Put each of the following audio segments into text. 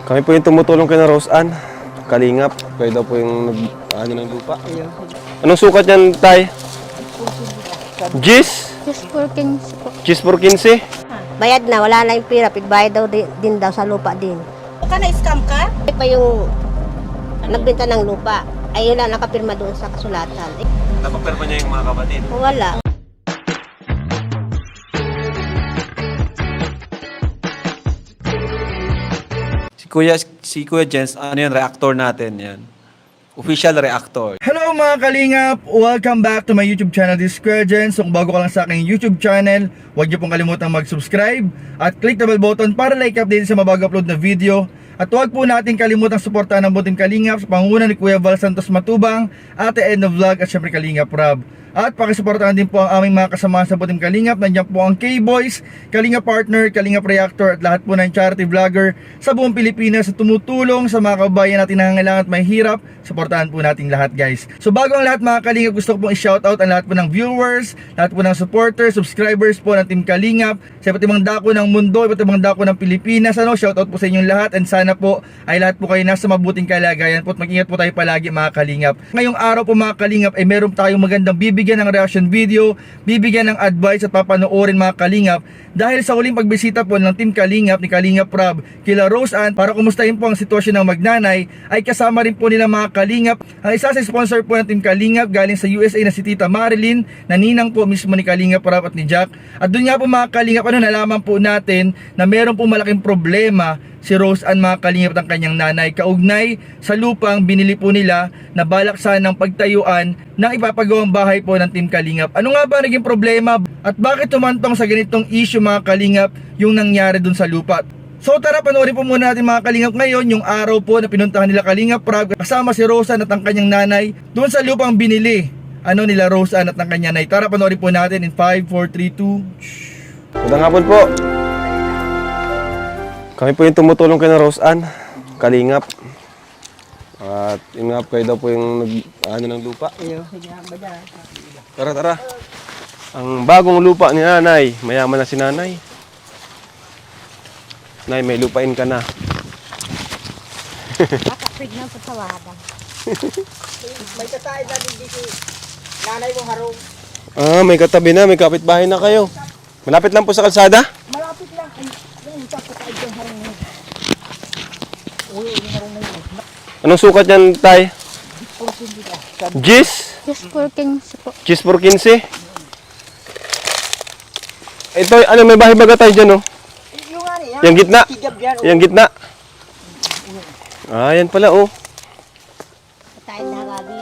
Kami po yung tumutulong kay na Rose Ann. Kalingap. Kayo daw po yung ano ng lupa. Anong sukat yan, Tay? Gis? Just for 15 po. Gis por 15? Bayad na, wala na yung pira. Pigbayad daw din daw sa lupa din. Ka na-scam ka? Ay pa yung nagbenta ng lupa. Ayun lang, nakapirma doon sa kasulatan. Napapirma niya yung mga kapatid. Wala. Si Kuya Jens, ano yan, reactor natin yan. Official reactor. Hello mga kalingap! Welcome back to my YouTube channel, this is Kuya Jens. So kung bago ka lang sa aking YouTube channel, huwag niyo pong kalimutang mag-subscribe at click the bell button para like update sa mabago upload na video. At huwag po natin kalimutang suportahan ang buting Kalingap sa pangunguna ni Kuya Val Santos Matubang, Ate Edna Vlog at syempre Kalingap Rob. At pakisuportahan din po ang aming mga kasama sa buting Kalingap. Nandiyan po ang K-Boys, Kalingap Partner, Kalingap Reactor at lahat po ng charity vlogger sa buong Pilipinas sa tumutulong sa mga kababayan natin na nangangailangan at may hirap. Suportahan po natin lahat, guys. So bago ang lahat mga Kalingap, gusto ko pong i-shoutout ang lahat po ng viewers, lahat po ng supporters, subscribers po ng Team Kalingap sa iba't ibang dako ng mundo, iba't ibang dako ng Pilipinas. Shoutout po sa inyong lahat and sana po ay lahat po kayo nasa mabuting kalagayan po at mag-ingat po tayo palagi mga Kalingap. Ngayong araw po mga Kalingap ay meron tayong magandang bibigyan ng reaction video, bibigyan ng advice at papanoorin mga Kalingap dahil sa huling pagbisita po ng Team Kalingap ni Kalingap Rob kila Rose Ann para kumustahin po ang sitwasyon ng magnanay ay kasama rin po nila mga Kalingap ang isa sa sponsor po ng Team Kalingap galing sa USA na si Tita Marilyn na ninang po mismo ni Kalingap Rob at ni Jack. At doon nga po mga Kalingap nalaman po natin na meron po malaking problema si Rose Ann mga Kalingap ng kanyang nanay kaugnay sa lupang binili po nila na balak sanang pagtayuan ng ipapagawang bahay po ng Team Kalingap. Ano nga ba naging problema at bakit tumantong sa ganitong issue mga Kalingap yung nangyari dun sa lupa? So tara panoorin po muna natin mga Kalingap ngayon yung araw po na pinuntahan nila Kalingap Rob kasama si Rose Ann at ang kanyang nanay dun sa lupang binili nila Rose Ann at ng kanyang nanay. Tara panoorin po natin in 5, 4, 3, 2. Magandang hapon po. Kami po yung tumutulong kay na Rose Ann. Kalingap. At yun nga, kayo daw po yung ano ng lupa. Tara, tara. Ang bagong lupa ni nanay. Mayaman na si nanay. Nay, may lupain ka na. Kapag na po sa wada. May katay na din si nanay mo harong. May katabi na, may kapitbahay na kayo. Malapit lang po sa kalsada? Malapit lang. Ay, yung tapos ay yung harong mo. Uy, yung harong mo yun. Anong sukat yan, Tay? Gis? Just for 15 po. Gis por 15? Ito, ano, may bahay baga tayo dyan, oh. Yung ano yan. Yung gitna. Tigab yan. Yung gitna. Yan pala, oh. Tayo na gabi.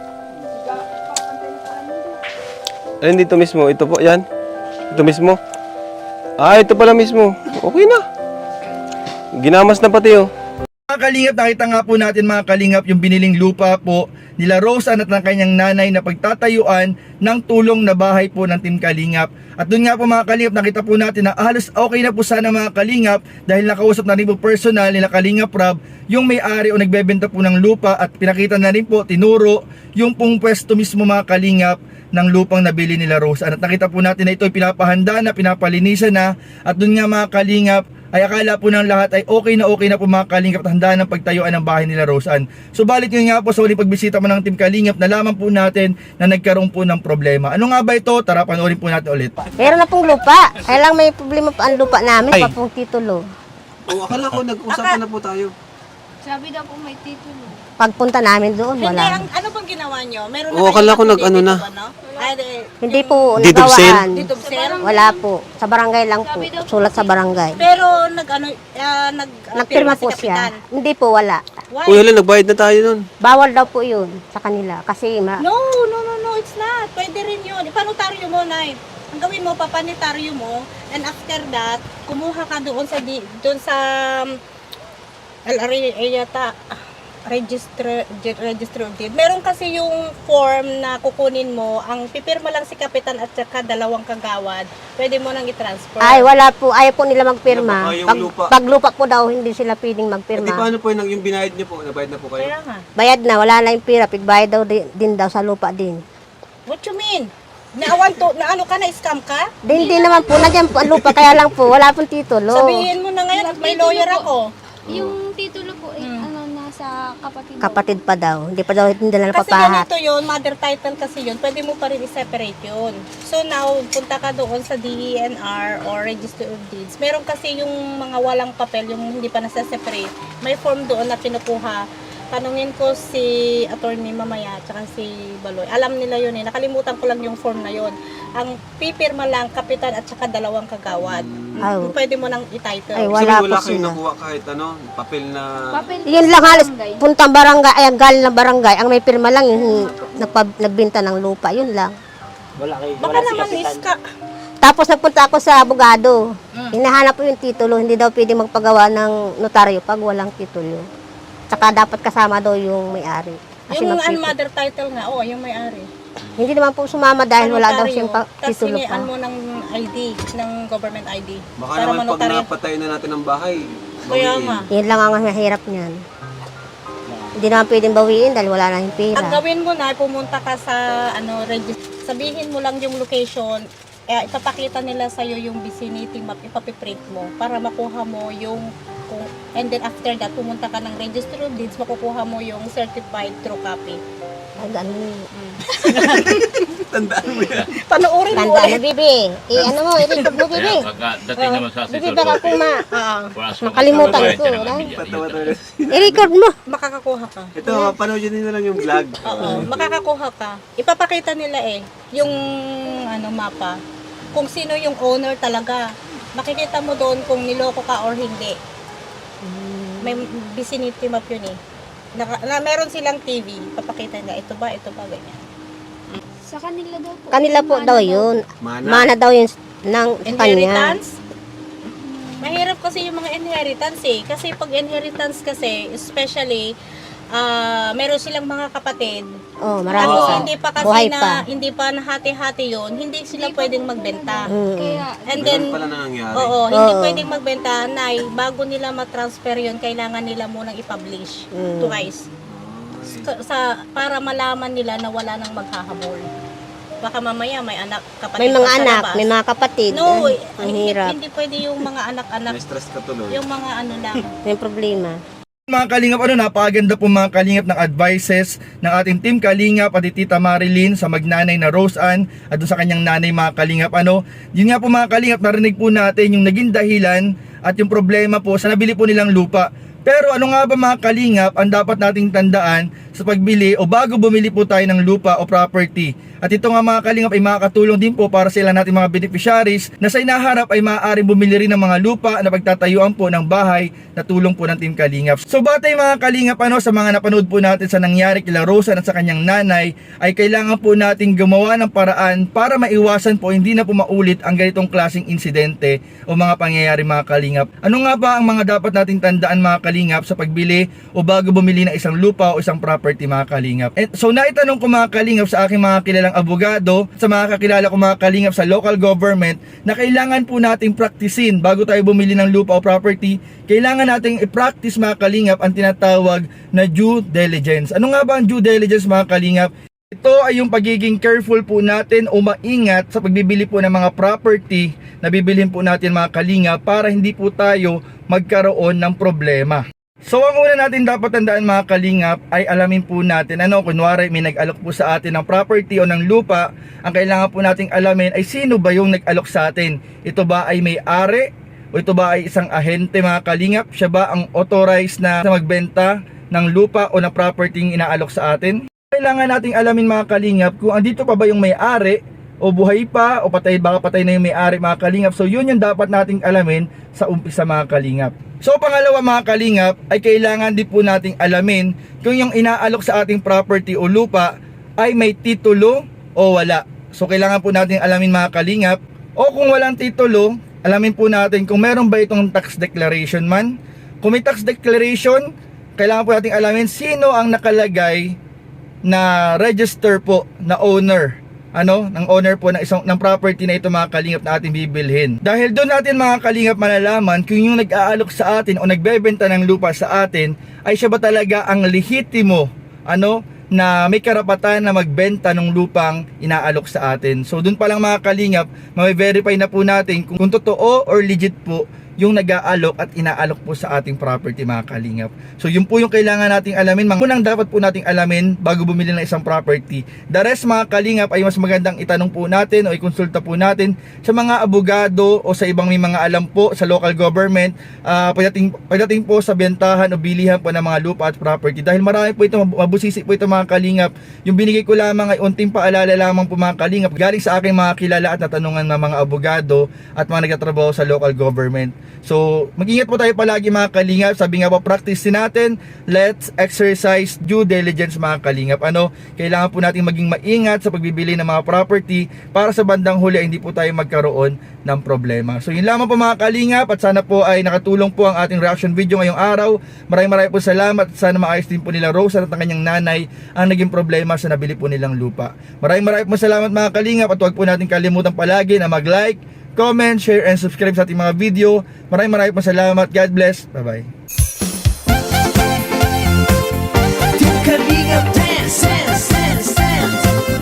Ayun, dito mismo. Ito po, yan. Ito mismo. Ito pala mismo. Okay na. Ginamas na pati, oh. Mga Kalingap, nakita nga po natin mga Kalingap yung biniling lupa po nila Rose Ann at ng kanyang nanay na pagtatayuan ng tulong na bahay po ng Team Kalingap. At doon nga po mga Kalingap, nakita po natin na halos okay na po sana mga Kalingap dahil nakausap na rin po personal nila Kalingap Rob yung may-ari o nagbebenta po ng lupa at pinakita na rin po, tinuro yung pong pwesto mismo mga Kalingap ng lupang nabili nila Rose Ann. At nakita po natin na ito ay pinapahanda na, pinapalinisan na at doon nga mga Kalingap ay akala po ng lahat ay okay na po mga Kalingap at handa ng pagtayuan ng bahay nila Rose Ann. Subalit yun nga po sa huling pagbisita mo ng Team Kalingap, nalaman po natin na nagkaroon po ng problema. Ano nga ba ito? Tara, panoorin po natin ulit. Meron na pong lupa. Kaya lang may problema pa ang lupa namin pa pong titulo. Akala ko nag-usapan na po tayo. Sabi daw po may titulo. Pagpunta namin doon, Hindi, wala. ano bang ginawa nyo? Meron Oo, akala ko nag-ano na. Hindi po Deed of sale? nagawaan. Deed of sale? Wala po. Sa barangay lang po. Sulat sa barangay. Pero Nagpirma po siya. Hindi po, wala. Why? Uy, hala, nagbayad na tayo nun. Bawal daw po yun sa kanila. Kasi No, it's not. Pwede rin yun. Ipanotaryo mo, Nay. Ang gawin mo, papanitaryo mo, and after that, kumuha ka doon sa LRA yata, register of deed. Meron kasi yung form na kukunin mo, ang pipirma lang si kapitan at saka dalawang kagawad. Pwede mo nang i-transfer. ay wala po. Ayaw po nila magpirma. Baka yung lupa. Pag lupa po daw, hindi sila pwedeng Di magpirma. paano po yung binayad niyo po? Nabayad na po kayo? Kaya nga. Bayad na, wala na yung pira. Pigbayad daw din daw sa lupa din. What you mean? Na ano ka na, scam ka? Hindi naman po, nandiyan po ang lupa. Kaya lang po, wala pong titulo. Sabihin mo na ngayon at may lawyer ako. Yung titulo po, ano, nasa kapatid. Kapatid pa daw. Hindi pa daw hindi na Kasi napapahat. ganito yun, mother title kasi yun, pwede mo pa rin i-separate yun. So now, punta ka doon sa DENR or Register of Deeds. Meron kasi yung mga walang papel, yung hindi pa nasa-separate. May form doon na kinukuha. Tanungin ko si attorney mamaya, tsaka si Baloy. Alam nila yun eh. Nakalimutan ko lang yung form na yun. Ang pipirma lang, kapitan at saka dalawang kagawad. Ay. Pwede mo nang i-title. Ay, So, wala wala po kayong sila. nakuha kahit ano, papel na... Papel Yun lang halos puntang barangay, ay galing ng barangay. Ang may pirma lang yung nagbenta ng lupa. Yun lang. Baka naman iska. Tapos nagpunta ako sa abogado. Hinahanap po yung titulo. Hindi daw pwede magpagawa ng notaryo pag walang titulo. Tsaka dapat kasama daw yung may-ari. Kasi Yung magtitulo. mother title nga, yung may-ari. Hindi naman po sumama dahil wala daw Notaryo. siyang Tapos titulo pa. hinian mo ng ID, ng government ID. Baka para naman pag manotaryo. napatayo na natin ang bahay, Kaya bawiin. nga. Yun lang ang mahirap niyan. Hindi naman pwedeng bawiin dahil wala na yung pera. Ang gawin mo na, pumunta ka sa sabihin mo lang yung location, ipapakita nila sa'yo yung vicinity map, ipapiprint mo para makuha mo yung and then after that, pumunta ka ng Register of Deeds, makukuha mo yung certified true copy. Ay, ganun. Tandaan mo yan. Panoorin mo Tanda mo, ulit. Bibi. Ano mo, i-record mo, Bibi. Pagdating naman sa Bibi, baka kuma. Puras Makalimutan ko, na. Patawa talaga. I-record mo. Makakakuha ka. Ito, panoodin nyo na lang yung vlog. Oo, makakakuha ka. Ipapakita nila yung mapa. Kung sino yung owner talaga. Makikita mo doon kung niloko ka or hindi. May vicinity map yun eh. Meron silang TV. Papakita nila, ito ba, ganyan. Sa kanila daw po. Kanila po Mana daw daw. yun. Mana. Mana daw yun ng kanya. Inheritance? Mahirap kasi yung mga inheritance eh. Kasi pag inheritance kasi, especially, meron silang mga kapatid. Oh, marami Tapos pa. hindi pa kasi Buhay pa. hindi pa nahati-hati yun, hindi sila pwedeng magbenta. Kaya, And then, Ganun pala na nangyari. oo, hindi Oo. pwedeng magbenta, bago nila matransfer yun, kailangan nila munang i-publish twice. Para malaman nila na wala nang maghahabol. Baka mamaya may anak, kapatid May mga pa sa anak, labas. may mga kapatid. No, Ang hindi, hirap. hindi pwede yung mga anak-anak, May stress ka tuloy. yung mga lang. May problema. Mga Kalingap, napakaganda po mga Kalingap ng advices ng ating team Kalingap at Tita Marilyn sa magnanay na Rose Ann at doon sa kanyang nanay mga Kalingap. Yun nga po mga Kalingap, narinig po natin yung naging dahilan at yung problema po sa nabili po nilang lupa. Pero ano nga ba mga Kalingap ang dapat nating tandaan sa pagbili o bago bumili po tayo ng lupa o property? At ito nga mga Kalingap ay makakatulong din po para sa ilan nating mga beneficiaries na sa inaharap ay maaaring bumili rin ng mga lupa na pagtatayuan po ng bahay na tulong po ng Team Kalingap. So batay mga Kalingap sa mga napanood po natin sa nangyari kila Rosa at sa kanyang nanay ay kailangan po nating gumawa ng paraan para maiwasan po hindi na po maulit ang ganitong klaseng insidente o mga pangyayari mga Kalingap. Ano nga ba ang mga dapat nating tandaan mga Kalingap sa pagbili o bago bumili ng isang lupa o isang property mga Kalingap? So naitanong ko mga Kalingap sa aking mga kilalang abogado, sa mga kakilala ko mga Kalingap sa local government na kailangan po nating praktisin bago tayo bumili ng lupa o property. Kailangan nating i-practice mga Kalingap ang tinatawag na due diligence. Ano nga ba ang due diligence mga Kalingap? Ito ay yung pagiging careful po natin o maingat sa pagbibili po ng mga property na bibilhin po natin mga Kalingap para hindi po tayo magkaroon ng problema. So ang una natin dapat tandaan mga Kalingap ay alamin po natin kunwari may nag-alok po sa atin ng property o ng lupa, ang kailangan po nating alamin ay sino ba yung nag-alok sa atin. Ito ba ay may-ari o ito ba ay isang ahente mga Kalingap? Siya ba ang authorized na magbenta ng lupa o ng property yung inaalok sa atin? Kailangan nating alamin mga Kalingap kung andito pa ba yung may-ari o buhay pa o baka patay na yung may-ari mga Kalingap. So yun yung dapat nating alamin sa umpisa mga Kalingap. So pangalawa mga Kalingap ay kailangan din po nating alamin kung yung inaalok sa ating property o lupa ay may titulo o wala. So kailangan po nating alamin mga Kalingap, o kung walang titulo, alamin po natin kung meron ba itong tax declaration man. Kung may tax declaration, kailangan po nating alamin sino ang nakalagay na register po na owner ng owner po ng property na ito mga Kalingap na ating bibilhin. Dahil doon natin mga Kalingap malalaman kung yung nag-aalok sa atin o nagbebenta ng lupa sa atin ay siya ba talaga ang lehitimo na may karapatan na magbenta ng lupang inaalok sa atin. So doon pa lang mga Kalingap, ma-verify na po natin kung totoo or legit po yung nag-aalok at inaalok po sa ating property, mga kalingap. So yun po yung kailangan nating alamin. Unang dapat po nating alamin bago bumili ng isang property. The rest, mga kalingap, ay mas magandang itanong po natin o ikonsulta po natin sa mga abogado o sa ibang may mga alam po sa local government pagdating po sa bentahan o bilihan po ng mga lupa at property. Dahil marami po ito, mabusisi po ito, mga kalingap. Yung binigay ko lamang ay unting paalala lamang po, mga kalingap, galing sa aking mga kilala at natanungan ng mga abogado at mga nagtatrabaho sa local government. So, mag-ingat po tayo palagi, mga kalingap. Sabi nga po, practice din natin. Let's exercise due diligence, mga kalingap. Kailangan po natin maging maingat sa pagbibili ng mga property para sa bandang huli ay hindi po tayo magkaroon ng problema. So, yun lamang po, mga kalingap, at sana po ay nakatulong po ang ating reaction video ngayong araw. Maraming po salamat at sana maayos din po nila Rose at ang kanyang nanay ang naging problema sa nabili po nilang lupa. Maraming po salamat, mga kalingap, at huwag po natin kalimutan palagi na mag-like, comment, share, and subscribe sa ating mga video. Maraming po salamat. God bless. Bye-bye. Kalingap dance, dance, dance, dance.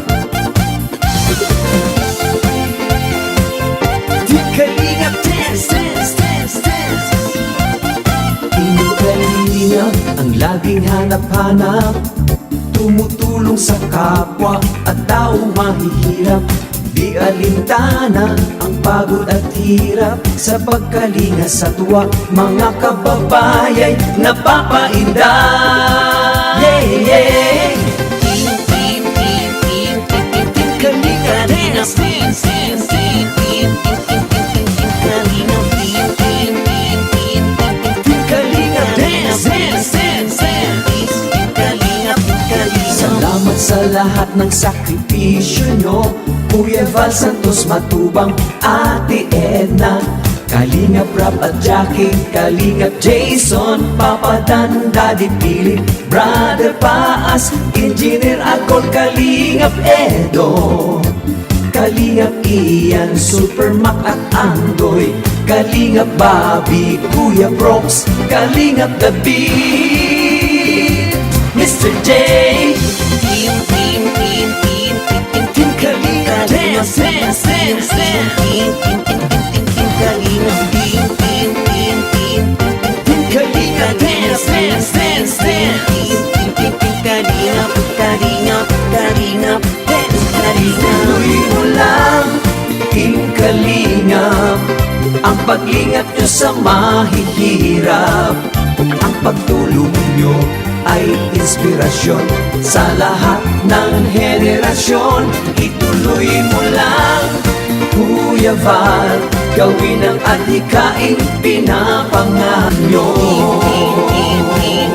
Kalingap dance, dance, dance, dance. Inyong kalingap ang laging hanap-hanap, tumutulong sa kapwa at taong mahihirap. Di alintana ang pagod at hirap sa pagkalinga sa tuwa, mga kababayay napapainda. Yeah, yeah. Team, team, team, team, team, team, team, Kalinga dance, team, team, team, team, team, team, team, team, team, Kalinga, team, team, team, team, team, team, Kalinga dance, dance, dance, dance, Kalinga, Kalinga. Salamat sa lahat ng sakripisyo nyo, Kuya Val Santos Matubang, Ate Edna, Kalingap Rap at Jackie, Kalingap Jason, Papa Dan, Daddy Philip, Brother Paas, Engineer Akol, Kalingap Edo, Kalingap Ian, Super Mac at Andoy, Kalingap Bobby, Kuya Brooks, Kalingap David, Mr. J, Team, team, team, team, team, team, team, Kalingap dance, dance, dance, dance, team, team, team, team, team, team, Kalingap, team, team, team, team, team, Kalingap dance, dance, dance, dance, team, team, team, team, Kalingap, Kalingap, Kalingap, dance, Kalingap. Tuloy mo lang, Team Kalingap, ang pag-ingat nyo sa mahihirap, ang pagtulong nyo ay inspirasyon sa lahat ng henerasyon. Ituloy mo lang, Kuya Val, gawin ang adhikaing pinapangarap nyo.